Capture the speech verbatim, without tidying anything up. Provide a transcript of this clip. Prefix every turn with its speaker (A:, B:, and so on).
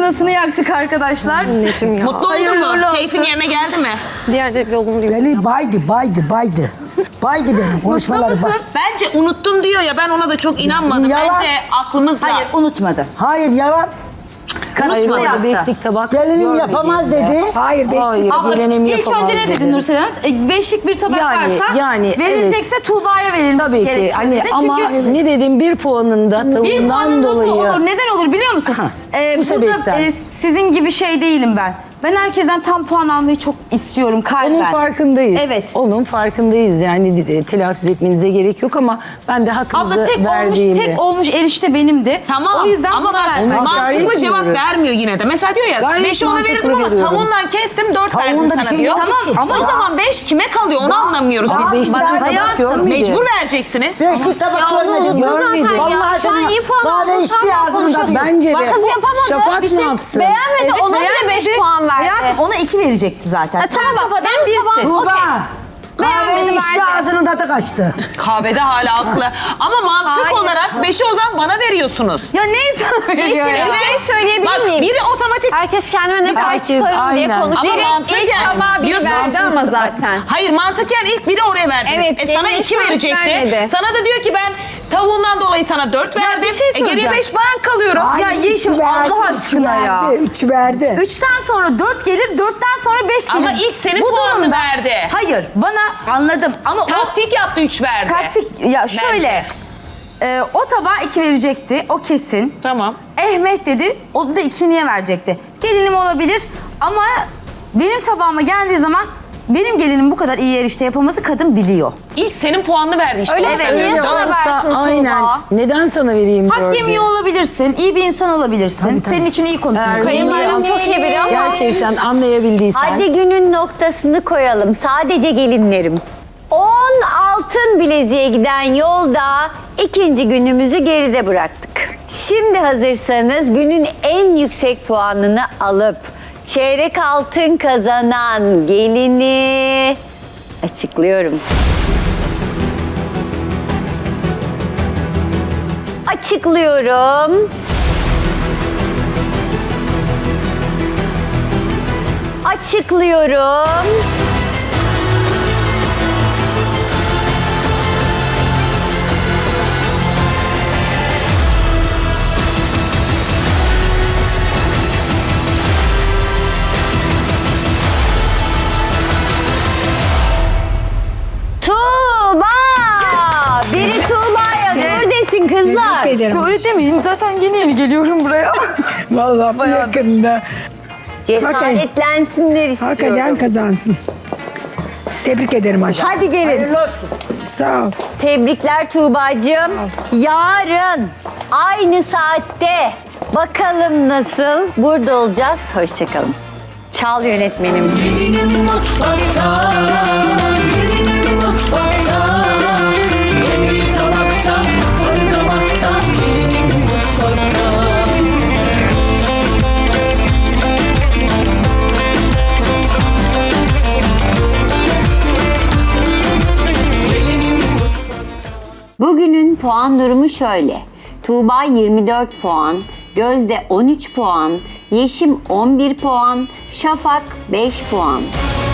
A: sırasını yaktık arkadaşlar.
B: Anneciğim ya.
C: Mutlu oldun mu? Keyfin yerine geldi mi?
B: Diğer de olumlu.
D: Beni baydı, baydı, baydı. Baydı benim konuşmaları bak.
C: Bence unuttum diyor ya, ben ona da çok inanmadım.
D: Yalan.
C: Bence aklımızda.
A: Hayır unutmadı.
D: Hayır yalan.
A: Unutmadı
E: Hayır,
A: asla.
E: beşlik tabak
D: Gelinim
E: görmediğim
D: yapamaz
E: de.
D: dedi.
E: Hayır, beşlik. Hayır,
A: Abla
E: gelinim
A: ilk
E: yapamaz
A: önce ne
E: dedi.
A: dedin Nursel Hanım? E, beşlik bir tabak
E: Yani,
A: varsa
E: yani,
A: verilecekse Tuğba'ya verilmesi
E: Tabii ki.
A: gerekiyor
E: Hani
A: dedi.
E: ama
A: Çünkü
E: ne dedim bir puanında
A: bir
E: tavuğundan
A: puanın
E: dolayı.
A: olur. Neden olur biliyor musun? Ee,
E: bu
A: burada
E: sebepten.
A: e, sizin gibi şey değilim ben. Ben herkesten tam puan almayı çok istiyorum kalben.
E: Onun farkındayız.
A: Evet.
E: Onun farkındayız yani e, telaffuz etmenize gerek yok ama ben de hakkınızı
A: Abla tek olmuş,
E: verdiğimi.
A: tek olmuş erişte benimdi.
C: Tamam
A: O yüzden
C: ama
A: buna
C: bak
A: verdim.
E: Onu
C: mantıklı
E: idare
C: cevap
E: etmiyorum.
C: vermiyor yine de. Mesela diyor ya
E: Gayet
C: beşi ona
E: mantıklı
C: verirdim ama
E: veriyorum.
C: tavuğundan kestim dört verdim
D: Tavuğunda bir
C: sana
D: şey
C: diyor.
D: yok
A: Tamam
D: ki.
A: ama
C: O zaman beş kime kalıyor onu anlamıyoruz
E: Abi
C: biz.
E: beşlik
A: bana
E: tabak
A: hayatım,
E: görmedi.
C: Mecbur vereceksiniz.
D: Beşlik tabak görmedim.
E: görmedim.
D: Vallahi
B: Şu an
D: sana
B: iyi puan
D: kahve
B: aldım,
D: içti
B: sen
D: ağzında
B: konuşalım.
D: diyor.
E: Bence de.
B: Bak kız yapamadı.
E: Şafak
B: Bir
E: ne
B: şey
E: yapsın?
B: beğenmedi.
A: Evet,
B: Ona bile
A: beğenmedi.
B: beş puan verdi.
A: Hayatım ona iki verecekti zaten.
B: Ha, tamam bak,
A: kafadan
B: benim
A: birsin.
B: tabağım-
D: Tuğba.
B: Okey.
D: Kahveyi
B: Beğenmedi,
D: içti
B: verdi.
D: ağzının tadı kaçtı.
C: Kahvede hala haklı. Ama mantık
B: Hayır.
C: olarak beşi o zaman bana veriyorsunuz.
A: Ya neyi sana veriyor ya?
B: Bir şey söyleyebilir
C: Bak
B: miyim?
C: biri otomatik.
B: Herkes kendime ne pay
E: Herkes
B: çıkarım diye
E: aynen.
B: konuşuyor.
C: Ama mantıken.
F: biri verdi ama zaten.
C: Hayır mantıken ilk biri oraya verdiniz.
F: Evet,
C: e, sana
F: geline
C: iki
F: şans
C: verecekti.
F: vermedi.
C: Sana da diyor ki ben tavuğundan dolayı sana dört
A: Ya bir
C: verdim.
A: şey
C: e, geriye
A: söyleyeceğim.
C: beş ben kalıyorum.
A: Ya Yeşim Allah aşkına ya.
E: Üç verdi.
A: Üçten sonra dört gelir, dörtten sonra beş gelir.
C: Ama ilk senin
A: Bu
C: puanını
A: durumda-
C: verdi.
A: Hayır, bana anladım ama o
C: Taktik yaptı üç verdi.
A: taktik ya şöyle. e, o tabağa iki verecekti, o kesin.
C: Tamam.
A: Ehmet dedi, o da iki niye verecekti? Gelinim olabilir ama benim tabağıma geldiği zaman benim gelinim bu kadar iyi erişte yapamazı kadın biliyor.
C: İlk senin puanını verdi işte.
B: Öyle
C: Onu
B: de
C: söylüyorum.
B: niye sana versin Tuğba?
E: Aynen. Neden sana vereyim
A: Hak
E: dördü?
A: yemiyor olabilirsin, iyi bir insan olabilirsin. Senin için iyi konuşuyor.
B: Kayınvalidem çok iyi biliyor ama.
E: Gerçekten anlayabildiysen.
F: Hadi günün noktasını koyalım. Sadece gelinlerim. on altın bileziğe giden yolda ikinci günümüzü geride bıraktık. Şimdi hazırsanız günün en yüksek puanını alıp çeyrek altın kazanan gelini açıklıyorum. Açıklıyorum. Açıklıyorum. Tuğba! Biri Tuğba'ya dur desin kızlar.
A: Öyle demeyin, zaten yeni yeni geliyorum buraya.
G: Vallahi bu yakında
F: Cesaretlensinler istiyorum.
G: hakikaten kazansın. Tebrik ederim aşkım.
F: Hadi gelin.
D: Hayırlı olsun.
G: Sağ ol.
F: Tebrikler Tuğba'cığım. Yarın aynı saatte bakalım nasıl burada olacağız. Hoşçakalın. Çal yönetmenim.
H: Gelinim mutfakta, gelinim mutfakta. Yemeği tabakta, tadı damakta. Gelinim mutfakta. Gelinim mutfakta.
F: Bugünün puan durumu şöyle. Tuğba yirmi dört puan, Gözde on üç puan, Yeşim on bir puan, Şafak beş puan.